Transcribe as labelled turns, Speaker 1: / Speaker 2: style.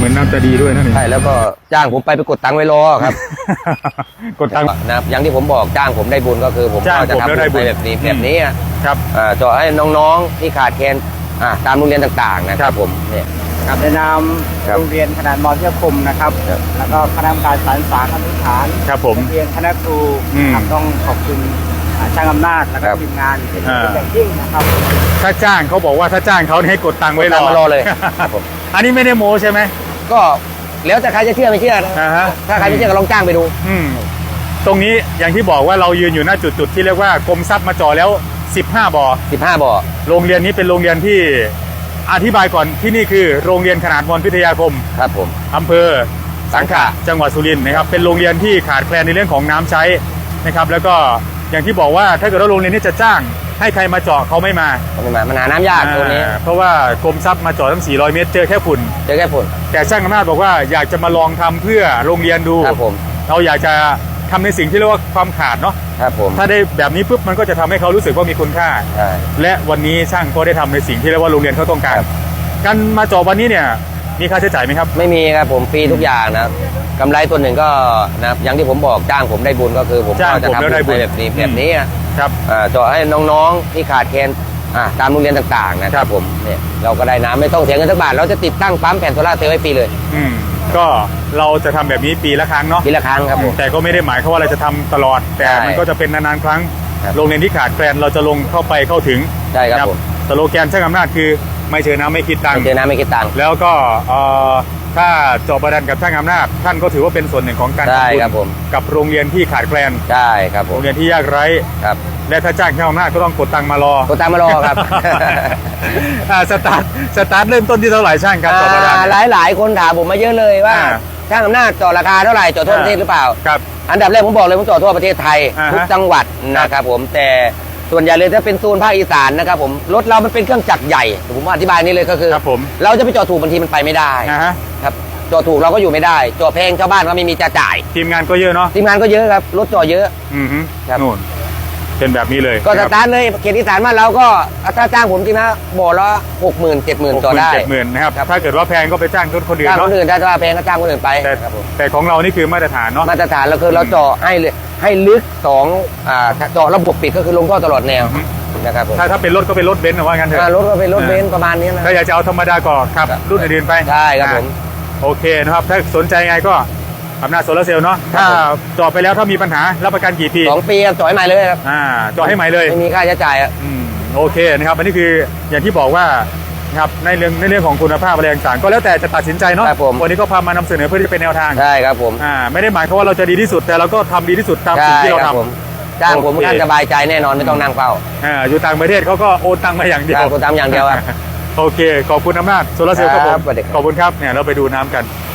Speaker 1: มือนน้ำจะดีด้วยนะนี่
Speaker 2: ใช่แล้วก็จ้างผมไปกดตังค์ไว้รอครับ
Speaker 1: กดตังค์
Speaker 2: นะครับอย่างที่ผมบอกจ้างผมได้บุญก็คือผมก็จะทำบุญแบบนี้
Speaker 1: ครับ
Speaker 2: เจาะให้น้องๆที่ขาดแคลนตามโรงเรียนต่างๆนะครับผมเนี่ย
Speaker 3: ครับในนามโรงเรียนขนาดมอเทียคมนะครับแล้วก็คณะกรรมการสารสาขาธิฐาน
Speaker 1: ครับผม
Speaker 3: โรงเรียนคณะครูครับต้องขอบคุณช่างอำนาจและก็ทีมงานเป็นอย่างยิ่งนะครับ
Speaker 1: ถ้าจ้างเขาบอกว่าถ้าจ้างเขาให้กดตังค์ไว้
Speaker 2: รอเลยครับผม
Speaker 1: อันนี้ไม่ได้โม้ใช่ไหม
Speaker 2: ก็แล้วแต่ใครจะเชื่อไม่เชื่อถ้าใครไม่เชื่อก็ลองจ้างไปดู
Speaker 1: ตรงนี้อย่างที่บอกว่าเรายืนอยู่หน้าจุดที่เรียกว่ากรมทรัพย์มาจ่อแล้ว15 บ่อโรงเรียนนี้เป็นโรงเรียนที่อธิบายก่อนที่นี่คือโรงเรียนขนาดมอพิทยาคม
Speaker 2: ครับผม
Speaker 1: อำเภอสังขะจังหวัดสุรินทร์นะครับเป็นโรงเรียนที่ขาดแคลนในเรื่องของน้ำใช้นะครับแล้วก็อย่างที่บอกว่าถ้าเกิดว่าโรงเรียนนี้จะจ้างให้ใครมาเจาะเขาไม่มา
Speaker 2: มันหาน้ำยากตัวนี้
Speaker 1: เพราะว่ากรมทรัพย์มาเจาะทั้ง400 เมตรเจอแค่ฝุ่นแต่ช่างอำนาจบอกว่าอยากจะมาลองทำเพื่อโรงเรียนดูเราอยากจะทำในสิ่งที่เรียกว่าความขาดเนาะถ้าได้แบบนี้ปุ๊บมันก็จะทำให้เขารู้สึกว่ามีคุณค่าและวันนี้ช่างก็ได้ทำในสิ่งที่เรียกว่าโรงเรียนเขาต้องการมาเจาะวันนี้เนี่ยมีค่าใช้จ่ายไหมครับ
Speaker 2: ไม่มีครับผมฟรีทุกอย่างนะกำไรตัวหนึ่งก็นะอย่างที่ผมบอกจ้างผมได้บุญก็คือผมก็จะทำบุญแบบนี้
Speaker 1: ครับ
Speaker 2: เจาะให้น้องๆที่ขาดแคลนตามโรงเรียนต่างๆนะครับผมเนี่ยเราก็ได้น้ำไม่ต้องเสียเงินสักบาทเราจะติดตั้งปั๊มแผ่นโซล่าร์เซลล์ไว้ฟรีเลย
Speaker 1: ก็เราจะทำแบบนี้ปีละครั้งเนาะ
Speaker 2: ปีละครั้งครับผม
Speaker 1: แต่ก็ไม่ได้หมายความว่าเราจะทำตลอดแต่มันก็จะเป็นนานๆครั้งโรงเรียนที่ขาดแคลนเราจะลงเข้าถึง
Speaker 2: ใช่ครับผม
Speaker 1: สโลแกนช่างอำนาจคือไม่เจอน้ำไม่คิดตังค์แล้วก็ถ้าเจาะบาดาลกับช่างอำนาจท่านก็ถือว่าเป็นส่วนหนึ่งของการทำบุญกับโรงเรียนที่ขาดแคลน
Speaker 2: ใช่ครับผม
Speaker 1: โรงเรียนที่ยากไร้
Speaker 2: ครับ
Speaker 1: และถ้าจ้างช่างอำนาจก็ต้องกดตังค์มารอ
Speaker 2: ครับ
Speaker 1: สตาร์ทเริ่มต้นที่เท่าไหร่ช่างการเจาะบาดาล
Speaker 2: หลายคนถามผมมาเยอะเลยว่าช่างอำนาจเจาะราคาเท่าไหร่เจาะทั่วประเทศหรือเปล่า
Speaker 1: ครับ
Speaker 2: อันดับแรกผมบอกเลยผมเจาะทั่วประเทศไทยทุกจังหวัดนะครับผมแต่ส่วนใหญ่เลยถ้าเป็นโซนภาคอีสานนะครับผมรถเรามันเป็นเครื่องจักรใหญ่ผมอธิบายนี้เลยก็คือเราจะไปจอดถูกบางทีมันไปไม่ได้ครับจอดถูกเราก็อยู่ไม่ได้จอดแพงชาวบ้านก็ไม่มีจะจ่าย
Speaker 1: ทีมงานก็เยอะเนาะ
Speaker 2: ทีมงานก็เยอะครับรถจอดเยอะ
Speaker 1: ครับนู่นเป็นแบบนี้เลย
Speaker 2: ก็สตาร์ทเลยเขตอีสานบ้านเราก็ถ้าจ้างผมจริงนะบ่อละ60,000 70,000จอดได้
Speaker 1: 70,000นะครับถ้าเกิดว่าแพงก็ไปจ้างคนอื่น
Speaker 2: จ้างคนอื่นถ้าแพงก็จ้างคนอื่นไป
Speaker 1: แต่ของเรานี่คือมาตรฐานเนาะ
Speaker 2: มาตรฐานเราคือเราเจาะให้ลึกเจาะระบบปิดก็คือลงท่อตลอดแนวนะครับ
Speaker 1: ถ้าเป็นรถก็เป็นรถเบนซ์ว่างั้นเถอะ
Speaker 2: รถก็เป็นรถเบนซ์ประมาณนี้นะ
Speaker 1: ถ้าอยากจะเอาธรรมดาก็ครับรุ่นอื่นไป
Speaker 2: ใช่ครับผม
Speaker 1: โอเคนะครับถ้าสนใจไงก็อำนาจโซลาร์เซลล์เนาะถ้าเจาะไปแล้วถ้ามีปัญหารับประกันกี่ปี
Speaker 2: 2 ปีเจาะให้ใหม่เลยครับ
Speaker 1: เจาะให้ใหม่เลย
Speaker 2: ไม่มีค่าใช้จ่าย
Speaker 1: โอเคนะครับอันนี้คืออย่างที่บอกว่าครับในเรื่องของคุณภาพอะไรต่างๆก็แล้วแต่จะตัดสินใจเนาะวันนี้ก็พามานำเสนอเพื่อที่เป็นแนวทาง
Speaker 2: ใช่ครับผม
Speaker 1: ไม่ได้หมายความว่าเราจะดีที่สุดแต่เราก็ทำดีที่สุดตามสิ่งที่เราท
Speaker 2: ำจ้างผมท่านสบายใจแน่นอนไม่ต้องนั่งเฝ้า
Speaker 1: อยู่ต่างประเทศเขาก็โอนตังมาอย่างเดียว
Speaker 2: โอนตังอย่างเดียว
Speaker 1: โอเคขอบคุณอำนาจโซลาร์เซลล์ครับผมขอบคุณครับเนี่ยเราไปดูน้ำกัน